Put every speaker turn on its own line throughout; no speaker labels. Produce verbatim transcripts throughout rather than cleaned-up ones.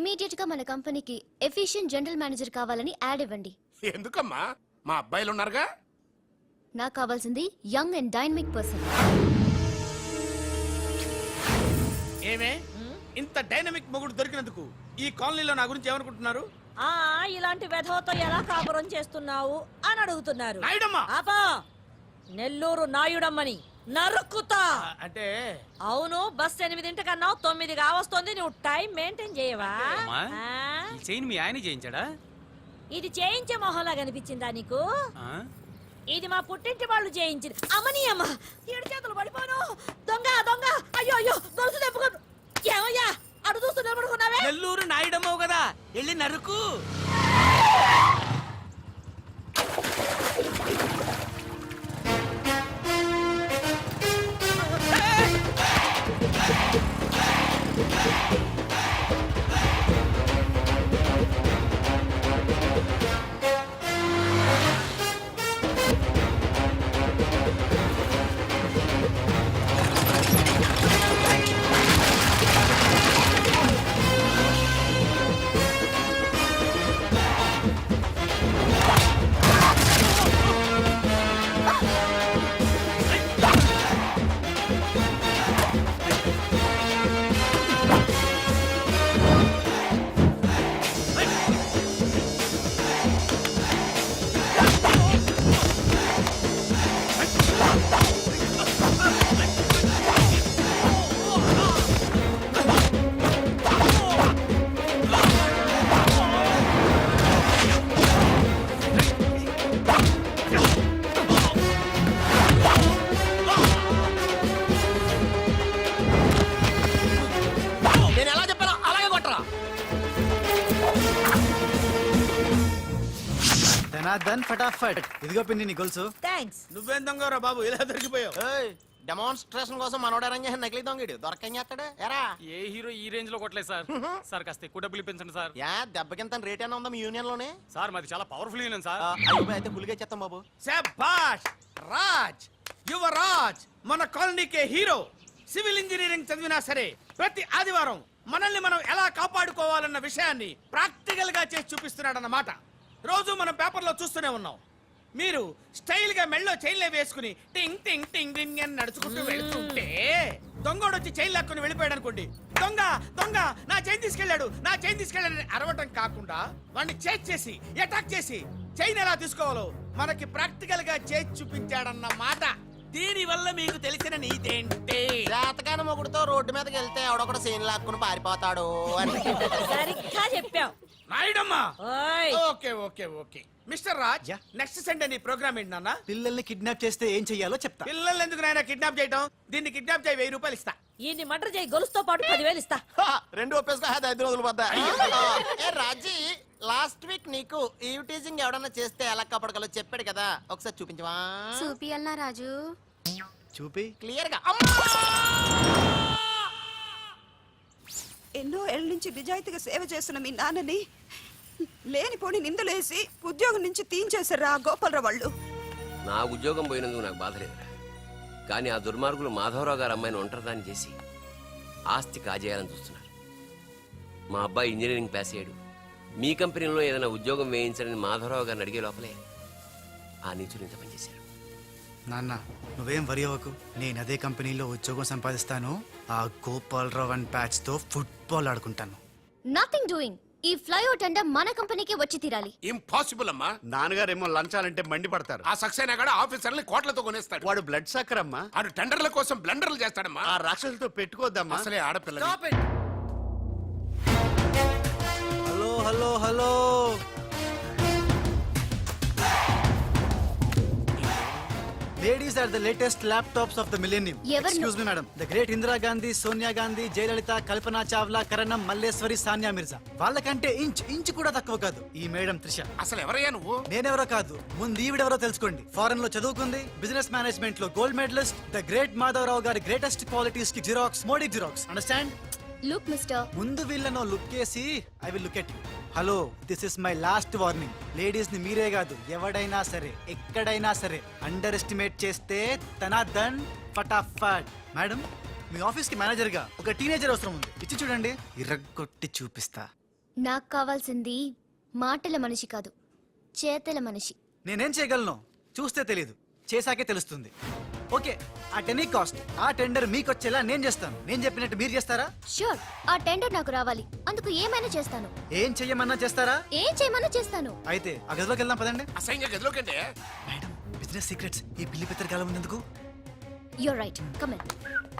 Immediate గా మన కంపెనీకి ఎఫిషియెంట్ జనరల్ మేనేజర్ కావాలని యాడ్ ఇవ్వండి.
ఎందుకమ్మా? మా అబ్బాయిలు ఉన్నారుగా.
నాకు కావాల్సింది యంగ్ అండ్ డైనమిక్ పర్సన్.
ఏమే ఇంత డైనమిక్ మొగుడు దొరికినందుకు ఈ కాలనీలో నా గురించి ఏమనుకుంటున్నారు?
ఆ ఇలాంటి వెధవతో ఎలా కాపురం చేస్తున్నావు అని అడుగుతున్నారు.
నాయుడమ్మ!
ఆపా! నెల్లూరు నాయుడమ్మని నరుక్కుతా.
అంటే
అవును, బస్ ఎనిమిదింటికన్నా తొమ్మిది కావస్తుంది. నువ్వు టైం మెయింటైన్ చేయవా? ఆ?
ఈ చైన్ మీ ఆయన చేయించాడా?
ఇది చేయించే మొహంలా కనిపించిందా నీకు? ఇది మా పుట్టింటి వాళ్ళు చేయించింది. అమ్మని అమ్మ ఏడు చేతులు పడిపోను. దొంగ దొంగ! అయ్యో అయ్యో గొలుసు తెప్పుకో. ఏమయ్యా అడు చూస్తూ నిలబడుకున్నావే?
నెల్లూరు నాయుడమ్మవు కదా, వెళ్ళి నరుకు.
దన్ ఫటాఫట్. ఇదిగో పిన్ని నీ గొలుసు.
థాంక్స్.
నువ్వేం దొంగరా బాబు, ఇలా దొరికిపోయావు?
డెమాన్స్ట్రేషన్ కోసం మనోడు అరేంజ్ చేసిన నకిలీ దొంగడు దొరకం చేస్తాడు. ఎరా
ఏ హీరో ఈ రేంజ్ లో కొట్టలేదు సార్. సార్ కాస్త ఎక్కువ డబ్బులు ఇప్పించండి సార్.
యా దెబ్బకింత రేట్ అయినా ఉందా మీ యూనియన్ లోనే?
సార్ మాది చాలా పవర్ఫుల్ యూనియన్ సార్.
అయ్యో అయితే పులిగా చేస్తాం బాబు.
శభాష్ రాజ్, యువరాజ్, మన కాలనీకే హీరో. సివిల్ ఇంజనీరింగ్ చదివినా సరే ప్రతి ఆదివారం మనల్ని మనం ఎలా కాపాడుకోవాలన్న విషయాన్ని ప్రాక్టికల్ గా చేసి చూపిస్తున్నాడన్నమాట. రోజు మనం పేపర్లో చూస్తూనే ఉన్నాం. మీరు స్టైల్ గా మెళ్ళో చైన్లే వేసుకుని టింగ్ టింగ్ టింగ్ టింగ్ అని నడుచుకుంటూ వెళ్తుంటే దొంగోడు వచ్చి చైన్ లాక్కుని వెళ్ళిపోయాడు అనుకోండి. దొంగ దొంగ నా చైన్ తీసుకెళ్లాడు నా చైన్ తీసుకెళ్లాడని అరవటం కాకుండా వాడిని చేజ్ చేసి అటాక్ చేసి చైన్ ఎలా తీసుకోవాలో మనకి ప్రాక్టికల్ గా చేసి చూపించాడన్న మాట. దీని వల్ల మీకు తెలిసిన నీతేంటి?
జాతకాన మొగుడుతో రోడ్డు మీదకి వెళ్తే ఎవడొకడు సీన్ లాక్కుని పారిపోతాడు అని.
సరిగ్గా చెప్పావు
నాయుడమ్మా.
ఓయ్
okay okay okay mister Raj, next Sunday నీ ప్రోగ్రామ్ ఏంటి నాన్న?
పిల్లల్ని కిడ్నాప్ చేస్తే ఏం చెయ్యాలో చెప్తా.
పిల్లల్ని ఎందుకు నాయన కిడ్నాప్ చేయటం? దీన్ని కిడ్నాప్ చేయి, వెయ్యి రూపాయలు ఇస్తా.
ఈయన్ని మటర్ చేయి, గొలుసుతో పాటు పదివేలు ఇస్తా.
రెండు ఒప్పేసుకో, ఐదు రోజులు పడ్డా. ఏ రాజీ, లాస్ట్ వీక్ నీకు ఈవ్ టీజింగ్ ఎవడన్నా చేస్తే ఎలా కాపాడగలో చెప్పాడు కదా, ఒకసారి చూపించవా?
చూపియల్నా రాజు?
చూపి
క్లియర్ గా.
ఎన్నో ఏళ్ళ నుంచి నిజాయితీగా సేవ చేస్తున్న మీ నాన్నని లేనిపోని నిందలేసి ఉద్యోగం నుంచి తీయించేశారా గోపాలరావు వాళ్ళు.
నా ఉద్యోగం పోయినందుకు నాకు బాధ లేదురా, కానీ ఆ దుర్మార్గులు మాధవరావు గారు అమ్మాయిని ఒంటరిదాన్ని చేసి ఆస్తి కాజేయాలని చూస్తున్నారు. మా అబ్బాయి ఇంజనీరింగ్ పాస్ అయ్యాడు, మీ కంపెనీలో ఏదైనా ఉద్యోగం వేయించాలని మాధవరావు గారిని అడిగే లోపలే ఆ నీచులు ఇంత పనిచేశారు.
నాన్న నువ్వేం వరి అవ్వకు, నేను అదే కంపెనీలో ఉద్యోగం సంపాదిస్తాను. ఆ గోపాలరావు అండ్ బ్యాచ్ తో ఫుట్బాల్ ఆడుకుంటాను.
Nothing doing. ఈ ఫ్లైఓవర్ టెండర్ మన కంపెనీకి వచ్చి తీరాలి.
ఇంపాసిబుల్ అమ్మా.
నాన్నగారేమో లంచాలంటే మండి పడతారు.
ఆ సక్సేనా కూడా ఆఫీసర్ని కోట్లతో కొనేస్తాడు.
వాడు బ్లడ్ సక్కర్ అమ్మా.
ఆడు టెండర్ల కోసం బ్లండర్లు చేస్తాడమ్మా.
ఆ రాక్షసులతో పెట్టుకోద్దమ్మా.
అసలే ఆడపిల్ల.
Hello hello hello, Ladies are the latest laptops of the millennium. Excuse me, madam. The great Indira Gandhi, Sonia Gandhi, Jayalalitha, Kalpana Chawla, Karanam, Malleswari, Sania Mirza. వాళ్ళకంటే ఇంచ్ ఇంచ్ కూడా తక్కువ కాదు ఈ మేడం త్రిష.
అసలు ఎవరయ్యా నువ్వు?
నేనెవరో కాదు, ముందు ఈవిడెవరో తెలుసుకోండి. ఫారెన్ లో చదువుకుంది, బిజినెస్ మేనేజ్మెంట్ లో gold medallist, the great Madhavarao గారి గ్రేటెస్ట్ క్వాలిటీస్ కి జిరాక్స్, మోడీ జిరాక్స్. అండర్స్టాండ్?
లుక్ మిస్టర్,
ముందు వీళ్ళను లుక్ చేసి I will look at you. Hello, this is my last warning. Ladies ని మీరే కాదు, ఎవడైనా సరే ఎక్కడైనా సరే అండర్ ఎస్టిమేట్ చేస్తే తన దన్ ఫటాఫట్. మేడం, మీ ఆఫీస్ కి మేనేజర్ గా ఒక టీనేజర్ అవసరం ఉంది. ఇచ్చి చూడండి, ఇరగొట్టి చూపిస్తా.
నాకు కావాల్సింది మాటల మనిషి కాదు, చేతల మనిషి.
నేనేం చేయగలను చూస్తే తెలియదు, చేశాకే తెలుస్తుంది. ఓకే, ఆ టెనీ కాస్ట్ ఆ టెండర్ మీకు వచ్చేలా నేను చేస్తాను. నేను చెప్పినట్టు మీరు చేస్తారా?
షూర్, ఆ టెండర్ నాకు రావాలి. అందుకు ఏమైనా చేస్తాను.
ఏం చెయ్యమన్నా చేస్తారా?
ఏం చేయమన్నా చేస్తాను.
అయితే ఆ గదిలోకి వెళ్దాం పదండి.
అసహ్యంగా గదిలోకంటే
మేడం, బిజినెస్ సీక్రెట్స్ ఈ పిల్లి పెద్దరి కాలం ఎందుకు?
You're right, come in.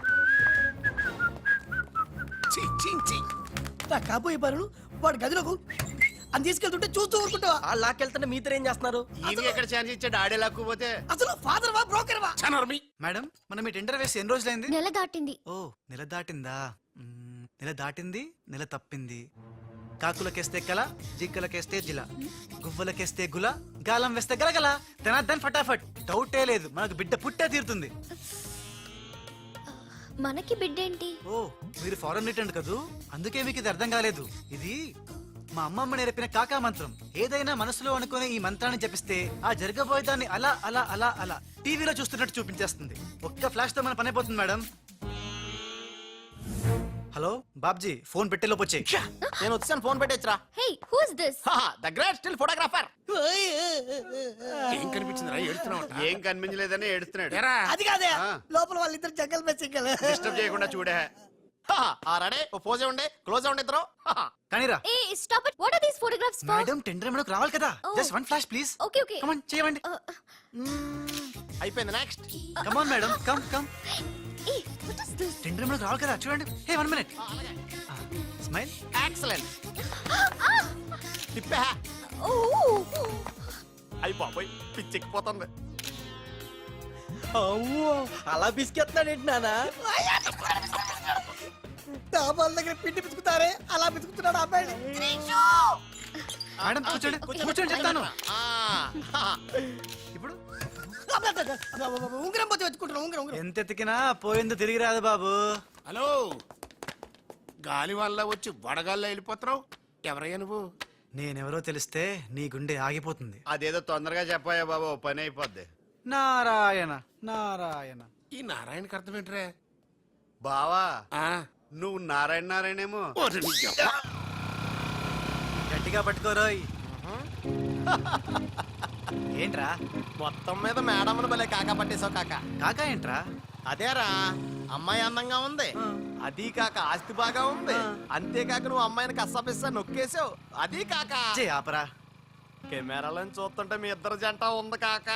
ఛీ, ఛీ, ఛీ.
నా కాబోయే పనులు వాడు గదిలోకు అని తీసుకెళ్తుంటే చూస్తూ ఊరుకుంటావా?
ఆ లాక్కెళ్తుంటే మీతో ఏం చేస్తున్నారు?
ఈయన ఎక్కడ ఛాన్స్ ఇచ్చాడు ఆడే లాక్కుపోతే
అసలు ఫాదర్ వా బ్రోకర్ వా?
చనర్మి.
మేడం, మనం ఈ టెండర్ వేసి ఎన్ని రోజులైంది?
నెల దాటింది.
ఓ, నెల దాటిందా? మ్మ్, నెల దాటింది, నెల తప్పింది. కాకులకేస్తే కల, జింకలకేస్తే జిల, గువ్వలకేస్తే గుల, గాలం వేస్తే గలగల, తనద్దన్ ఫటాఫట్. డౌటే లేదు, మనకు బిడ్డ పుట్టే తీరుతుంది.
మనకి బిడ్డేంటి?
ఓ, మీరు ఫారెన్ రిటర్న్ కదూ, అందుకే మీకు ఇది అర్థం కాలేదు. ఇది మా అమ్మమ్మ నేర్పిన కాకా మంత్రం. ఏదైనా మనసులో అనుకుని ఈ మంత్రాన్ని జపిస్తే ఆ జరగబోయేదాన్ని అలా అలా అలా అలా టీవీలో చూస్తున్నట్టు చూపించేస్తుంది. ఒక్క ఫ్లాష్ తో మన పని అయిపోతుంది మేడం. హలో బాబ్జీ, ఫోన్ పెట్టే లోపు వచ్చేయ్.
నేను వచ్చాను, ఫోన్ పెట్టేచ్చరా.
Hey, who is this?
The great still photographer.
ఏం కనిపించిందిరా? ఏడుతున్నావు?
ఏం కనిపించలేదని ఏడుస్తున్నాడు.
ఏరా
అది కాదే,
ఆ.
లోపల వాళ్ళిద్దరు జంగల్ మే సింగల్.
డిస్టర్బ్ చేయకుండా చూడే.
రెడీ, ఓ పోజే ఉండే, క్లోజ్ ఉండే ఇద్దరు.
కానీరా
ఏ stop it. What are these photographs for?
Madam, tender మనకు రావాలి కదా.
Oh.
Just one flash please.
Okay okay.
Come on, చేయండి.
అయిపోయింది, next.
Come on madam, come come.
ఏ వాట్ ఇస్ దిస్?
టెండర్ మనకు రావాలి కదా, చూడండి. Hey, one minute. Smile.
Excellent. తిప్పే.
ఓ
అయ్యి బాబోయ్, పిచ్చెక్కిపోతుంది.
అవ్వో, అలా బిస్కెత్తాడేంటి నానా?
డాబాల దగ్గర పిండి పిసుకుతారే అలా పిసుకుతున్నాడు అబ్బాయి.
మేడం కూర్చోండి, కూర్చోండి చెప్తాను.
ఆ,
ఇప్పుడు
ఉంగరం పోతే వెతుకుంటున్నా. ఉంగరం ఉంగరం
ఎంత ఎతికినా పోయిందో తిరిగి రాదు బాబు.
హలో, గాలి వల్ల వచ్చి వడగాల్లో వెళ్ళిపోతున్నావు. ఎవరయ్యా నువ్వు?
నేనెవరో తెలిస్తే నీ గుండె ఆగిపోతుంది.
అదేదో తొందరగా చెప్పాయా బాబా, ఓ పని అయిపోద్ది.
నారాయణ నారాయణ.
ఈ నారాయణకి అర్థం ఏంట్రా?
బావా,
ఆ,
నువ్వు నారాయణ నారాయణేమో.
ఓరి నీ యబ్బ.
గట్టిగా పట్టుకోరోయ్. ఏంట్రా
మొత్తం మీద మేడంను భలే కాకా పట్టేశావు కాక.
కాకా ఏంట్రా?
అదేరా, అమ్మాయి అందంగా ఉంది, అది కాక ఆస్తి బాగా ఉంది, అంతేకాక నువ్వు అమ్మాయిని కష్టపిస్తా నొక్కేసావు, అది కాక
చే ఆపరా.
కెమెరాలను చూస్తుంటే మీ ఇద్దరు జంట ఉంది కాక.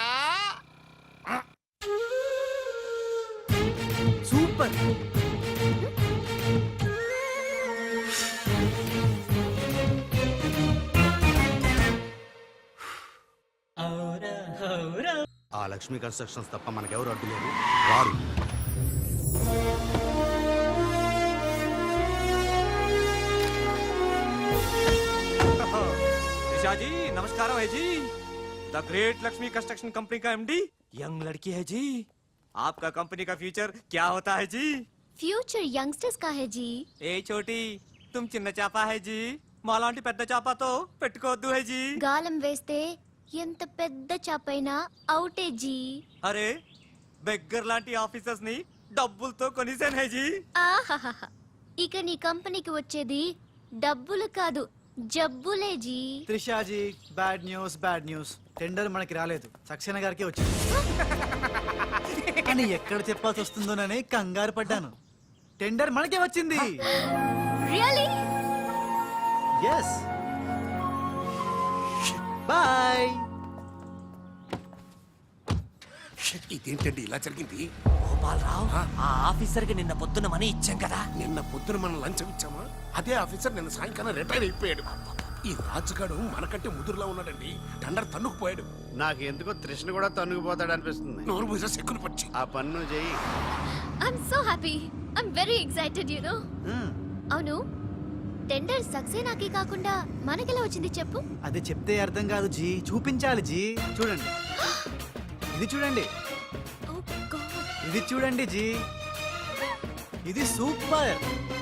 సూపర్.
ఆ లక్ష్మీ కన్స్ట్రక్షన్స్ తప్ప మనకెవరు అడ్డు లేదు, రారు.
निशा जी नमस्कार है जी। The great Lakshmi construction company का एमडी यंग लड़की है जी। आपका कंपनी का फ्यूचर क्या होता है जी?
ఫ్యూచర్ యంగ్స్టర్స్ కా హై జీ.
ఏ చోటి तुम చిన్న చాపా है जी, మాలాంటి పెద్ద చాపాతో పెట్టుకోవద్దు है जी।
గాలం వేస్తే ఎంత పెద్ద చాపైనా అవుటే జీ.
అరే బెగ్గర్ లాంటి ఆఫీసర్స్ ని డబ్బులతో కొనిసాను है जी।
ఆహాహాహా. ఇక నీ కంపెనీకి వచ్చేది డబ్బులు కాదు, జబ్బులే జీ.
Trishaji, bad news bad news. Tender మనకి రాలేదు, సక్సేనా గారికి వచ్చింది. కానీ ఎక్కడ చెప్పాల్సి వస్తుందోనని కంగారు పడ్డాను. టెండర్ మనకే వచ్చింది.
రియల్లీ?
ఎస్. బాయ్.
ఇదేంటండి ఇలా జరిగింది?
గోపాలరావు, ఆ ఆఫీసర్ కి నిన్న పొద్దున మనీ ఇచ్చాం కదా.
నిన్న పొద్దున మనం లంచం ఇచ్చామా? అదే ఆఫీసర్ నిన్న సాయంకాలం రిటైర్ అయిపోయాడు. ఈ రాజుగాడు మనకంటే ముదురులో ఉన్నాడండి. టండర్ తన్నుకుపోయాడు.
నాకు ఎందుకో తృష్ణ కూడా తన్నుకుపోతాడు అనిపిస్తుంది.
నోరు పూజ సెక్కులు పచ్చి.
ఆ పన్ను చెయ్యి.
I'm so happy. I'm very excited you know. అవును, టెండర్ సక్సేనాకి కాకుండా మనకెలా వచ్చింది చెప్పు?
అది చెప్తే అర్థం కాదు జీ, చూపించాలి జీ. చూడండి, ఇది చూడండి,
ఓ గాడ్.
ఇది చూడండి జీ, ఇది సూపర్.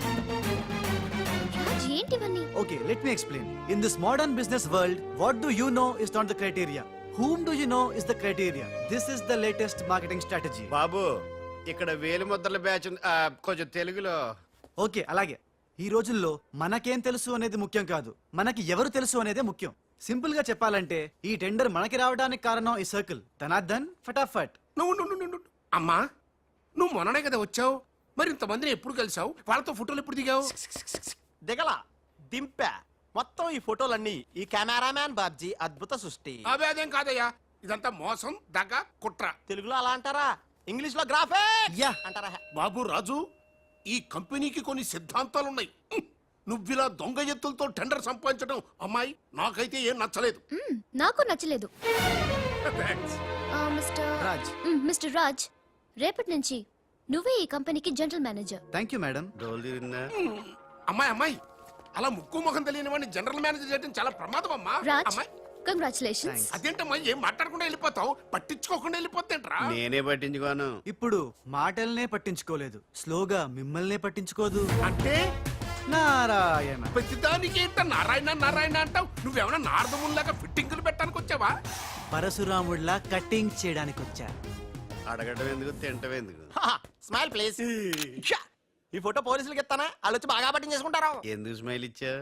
రాజ్, ఏంటివన్నీ?
Okay, let me explain. In this modern business world, what do you know is not the criteria. Whom do you know is the criteria. This is the latest marketing strategy.
బాబు, ఇక్కడ వేలు ముద్రల batch ఉంది. ఆ, కొంచెం తెలుగులో.
Okay, అలాగే. ఈ రోజుల్లో మనకేం తెలుసు అనేది ముఖ్యం కాదు, మనకి ఎవరు తెలుసు అనేదే ముఖ్యం. సింపుల్ గా చెప్పాలంటే ఈ టెండర్ మనకి రావడానికి కారణం ఈ సర్కిల్. ధనార్దన్ ఫటాఫట్.
నువ్వు నువ్వు నువ్వు నువ్వు అమ్మా, నువ్వు మొన్ననే కదా వచ్చావు, మరి ఇంతమందిని ఎప్పుడు కలిసావు? వాళ్ళతో ఫోటోలు ఎప్పుడు దిగావు?
దిగల దింపా. మొత్తం ఈ ఫోటోలన్నీ ఈ కెమెరామ్యాన్ బాబ్జీ అద్భుత సృష్టి.
అవే అదేం కాదయ్యా, ఇదంతా మోసం, దగ్గ, కుట్ర.
తెలుగులో అలా అంటారా? ఇంగ్లీష్ లో గ్రాఫే
యా.
అంటారా?
బాబు రాజు, ఈ కంపెనీకి కొన్ని సిద్ధాంతాలున్నాయి. హ్మ్. నువ్విలా దొంగ ఎత్తులతో టెండర్ సంపాదించడం అమ్మాయి నాకైతే ఏం నచ్చలేదు.
మ్మ్, నాకు నచ్చలేదు.
Thanks.
ఆ, మిస్టర్
రాజ్.
మ్మ్, మిస్టర్ రాజ్, రేపటి నుంచి నువ్వే ఈ కంపెనీకి general manager.
Thank you madam.
డోల్ తిరిగిందా?
అమ్మాయి అమ్మాయి అలా ముక్కు ముఖం తెలియని వాడిని జనరల్ మేనేజర్ చేయడం చాలా ప్రమాదం అమ్మా.
రాజ్,
అమ్మాయి
కంగ్రాచులేషన్స్.
అదేంటమ్మా, ఏం మాట్లాడకుండా వెళ్ళిపోతావు? పట్టించుకోకుండా వెళ్ళిపోతేంట్రా?
నేనే పట్టించుకోను.
ఇప్పుడు మాటల్నే పట్టించుకోలేదు, స్లోగా మిమ్మల్నే పట్టించుకోదు.
అంటే
నారాయణ.
ప్రతిదానికి ఏంట నారాయణ నారాయణ అంటావు? నువ్వేమన్నా నారదముల్లాగా ఫిట్టింగులు పెట్టడానికి వచ్చావా?
పరశురాముడిలా కటింగ్ చేయడానికి వచ్చా.
అడగటం ఎందుకు, తింటం ఎందుకు?
Smile please. ఈ ఫోటో పోలీసులకి ఇస్తానా? వాళ్ళు వచ్చి బాగా పట్టింగ్ చేసుకుంటారు.
ఎందుకు స్మైల్ ఇచ్చా?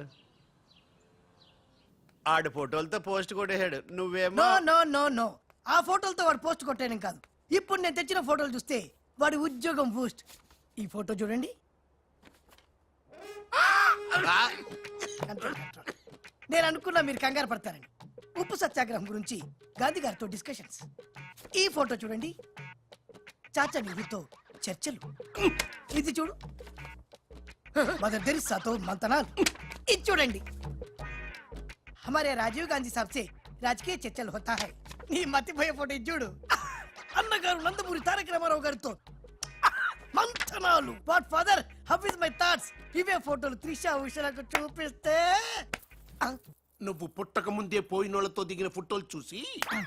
ఆడు ఫోటోలతో పోస్ట్ కొట్టేశాడు, నువ్వేమో
నో నో నో నో ఆ ఫోటోలతో వాడు పోస్ట్ కొట్టేయడం కాదు. ఇప్పుడు నేను తెచ్చిన ఫోటోలు చూస్తే వాడి ఉద్యోగం బూస్ట్. ఈ ఫోటో చూడండి. నేను అనుకున్నా మీరు కంగారు పడతారని. ఉప్పు సత్యాగ్రహం గురించి గాంధీ గారితో డిస్కషన్స్. ఈ ఫోటో చూడండి, చాచా నెహ్రూతో చర్చలు. ఇది చూడు, మదర్ తెరిసాతో మంతనాలు. ఇది చూడండి, हमारे राजीव गांधी साहब से राजकीय चर्चल होता है. నీ మతిపోయే ఫోటో ఇది చూడు, అన్నగారు నందమూరి తారక రామారావు గారితో మంతనాలు. What father, how is my thoughts. ఇవే ఫోటోలు త్రిషా ఉషలకు చూపిస్తే
నువ్వు పుట్టక ముందే పోయినోళ్లతో దిగిన ఫోటోలు చూసి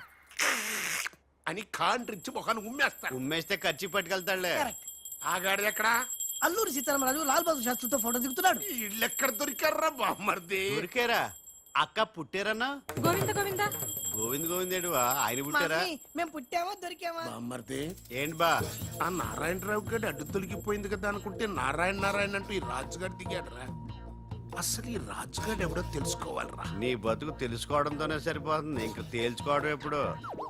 అని కాండ్రించి మొహాన్ని ఉమ్మేస్తాడు.
ఉమ్మేస్తే ఖర్చు పట్టుకెళ్తాడులే.
కరెక్ట్.
ఆగాడు ఎక్కడా?
అల్లూరి సీతారామరాజు లాల్ బహదూర్ శాస్త్రితో ఫోటో దిగుతున్నాడు.
ఇళ్ళెక్కడ దొరికారా బామ్మర్ది?
ఊరికేరా అక్క పుట్టారన్నా?
గోవింద గోవింద
గోవింద్ గోవిందేడువా ఆయన పుట్టారా?
మమ్మీ, మేము పుట్టామా దొరికామా?
బామ్మర్ది,
ఏంటి బా?
ఆ నారాయణరావు గారి అడ్డు తొలగిపోయింది కదా అనుకుంటే నారాయణ నారాయణ అంటూ ఈ రాజుగారు దిగాడరా. అసలు ఈ రాజుగారు ఎవడో తెలుసుకోవాలరా.
నీ బతుకు తెలుసుకోవడంతోనే సరిపోతుంది, ఇంక తేల్చుకోవడం ఎప్పుడు?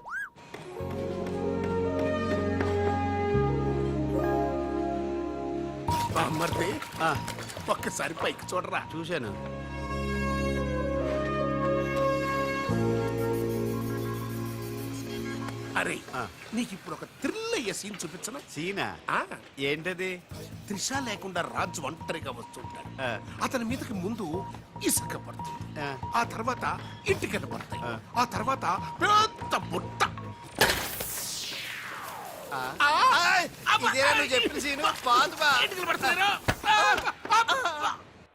బామ్మర్ది,
ఆ,
ఒక్కసారి పైకి చూడరా.
చూశాను.
అరే,
ఆ.
నీకు ఇప్పుడు ఒక థ్రిల్ అయ్యే సీన్ చూపించనా?
సీనా?
ఆ,
ఏంటది?
త్రిష లేకుండా రాజు ఒంటరిగా వస్తుంటాడు.
ఆ.
అతని మీదకి ముందు ఇసుక పడుతుంది,
ఆ.
ఆ తర్వాత ఇటుకలు పడతాయి,
ఆ.
ఆ తర్వాత పెద్ద బుట్ట.
ఆ.
ఆ,
ఆయ్, ఇదేనా నువ్వు చెప్పిన సీను? బాగుంది బా.
ఇటుకలు పడతాయిరా. ఆ, ఆ, ఆ.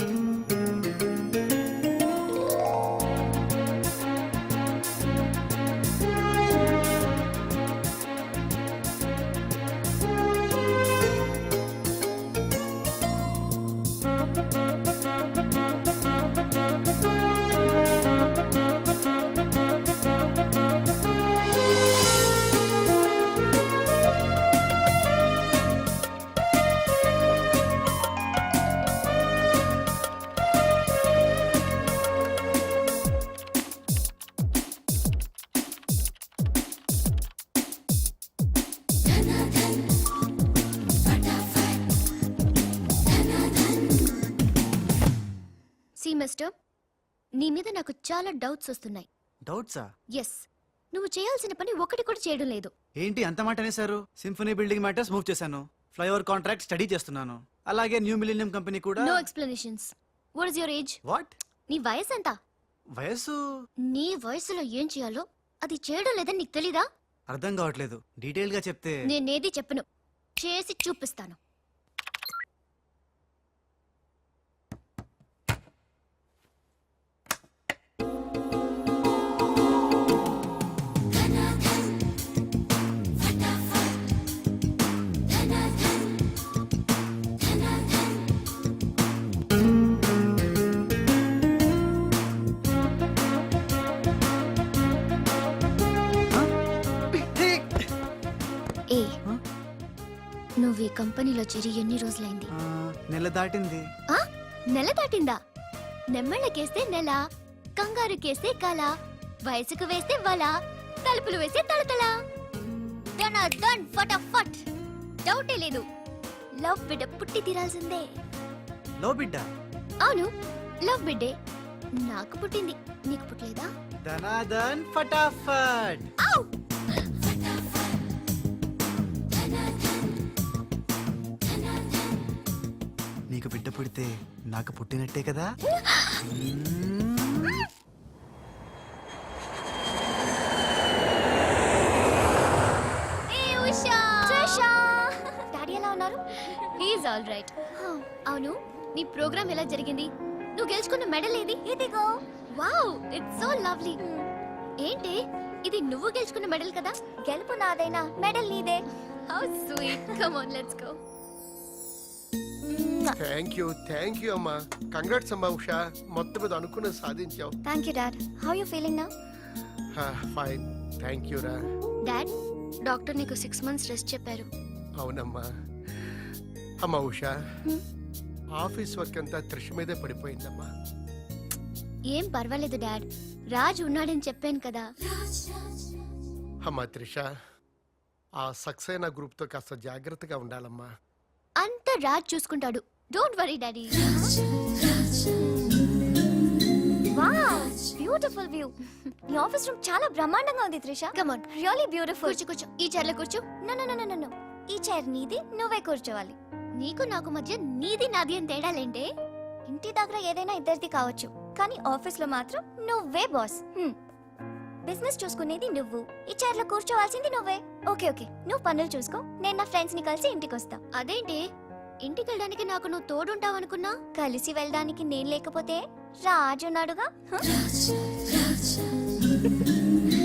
సి మిస్టర్, నీ మీద నాకు చాలా డౌట్స్ వస్తున్నాయి.
డౌట్సా?
ఎస్, నువ్వు చేయాల్సిన పని ఒకటి కూడా చేయడం లేదు.
ఏంటి అంత మాట అనేసారు? సింఫనీ బిల్డింగ్ మ్యాటర్స్ మూవ్ చేశాను, ఫ్లైఓవర్ కాంట్రాక్ట్ స్టడీ చేస్తున్నాను, అలాగే న్యూ మిలీనియం కంపెనీ కూడా.
No explanations. What is your age?
What?
నీ వయసు ఎంత?
వయసు
నీ వయసులో ఏం చేయాలో అది చేయడం లేదని నీకు తెలీదా?
అర్థం కావట్లేదు, డీటెయిల్ గా చెప్తే.
నేనేది చెప్పను, చేసి చూపిస్తాను. ఏ, నువ్వు ఈ కంపెనీలో చేరి ఎన్ని రోజులైంది?
ఆ, నెల దాటింది.
ఆ? నెల దాటిందా? నెమ్మళ్ళకేస్తే నెల, కంగారుకేస్తే కల, వయసుకు వేస్తే వల, తలుపులు వేస్తే తలతల. డన్ డన్ ఫటాఫట్. డౌటే లేదు, లవ్ బిడ్డ పుట్టి తీరాల్సిందే.
లో బిడ్డ
అవును, లవ్ బిడ్డే. నాకు పుట్టింది, నీకు పుట్టలేదా?
ధనాధన్ ఫటాఫట్.
ఔ!
నీకు బిడ్డ పుడితే నాకు పుట్టినట్టే కదా.
ఏ ఉషా! ట్రిషా! డాడీ ఎలా ఉన్నారు? He's all right. అవును, నీ ప్రోగ్రామ్ ఎలా జరిగింది? నువ్వు గెలుచుకున్న మెడల్ ఏది? ఇదిగో. Wow, it's so lovely. ఏంటి ఇది, నువ్వు గెలుచుకున్న మెడల్ కదా? గెలుపు నాదైనా మెడల్ నీదే. How sweet. Come on, let's go.
Thank you thank you అమ్మా. కంగ్రాట్స్ అమ్మా ఉషా, మొత్తం మీద అనుకున్నది సాధించావు.
Thank you dad. How you feeling now?
Fine, thank you రా.
డాడ్, డాక్టర్ నీకు సిక్స్ మంత్స్ రెస్ట్ చెప్పారు.
అవునమ్మా. అమ్మా ఉషా, ఆఫీస్ వర్క్ అంతా త్రిష మీదే పడిపోయిందమ్మా.
ఏం పర్వాలేదు డాడ్, రాజ్ ఉన్నాడని చెప్పాను కదా.
అమ్మా త్రిష, ఆ సక్సేనా గ్రూప్ తో కాస్త జాగ్రత్తగా ఉండాలమ్మా.
అంతా రాజ్ చూసుకుంటాడు, don't worry daddy. Wow, beautiful view. ఈ ఆఫీస్ రూమ్ చాలా బ్రహ్మాండంగా ఉంది Trisha. Come on, really beautiful. కూర్చో కూర్చో, ఈ చైర్ లో కూర్చో. No no no no no, ఈ చైర్ నీది, నువ్వే కూర్చోవాలి. నీకు నాకు మధ్య నీది నాది అని తేడాలేంటే? ఇంటి దగ్గర ఏదైనా ఇద్దరిది కావచ్చు, కానీ ఆఫీస్ లో మాత్రం నువ్వే బాస్. బిజినెస్ చూసుకునేది నువ్వు, ఈ చైర్ లో కూర్చోవాల్సింది నువ్వే. ఓకే ఓకే, నువ్వు పనులు చూసుకో, నేను నా ఫ్రెండ్స్ ని కలిసి ఇంటికి వస్తా. అదేంటి, ఇంటికి వెళ్ళడానికి నాకు నువ్వు తోడుంటావు అనుకున్నా? కలిసి వెళ్ళడానికి నేను లేకపోతే రాజు ఉన్నాడుగా. హ?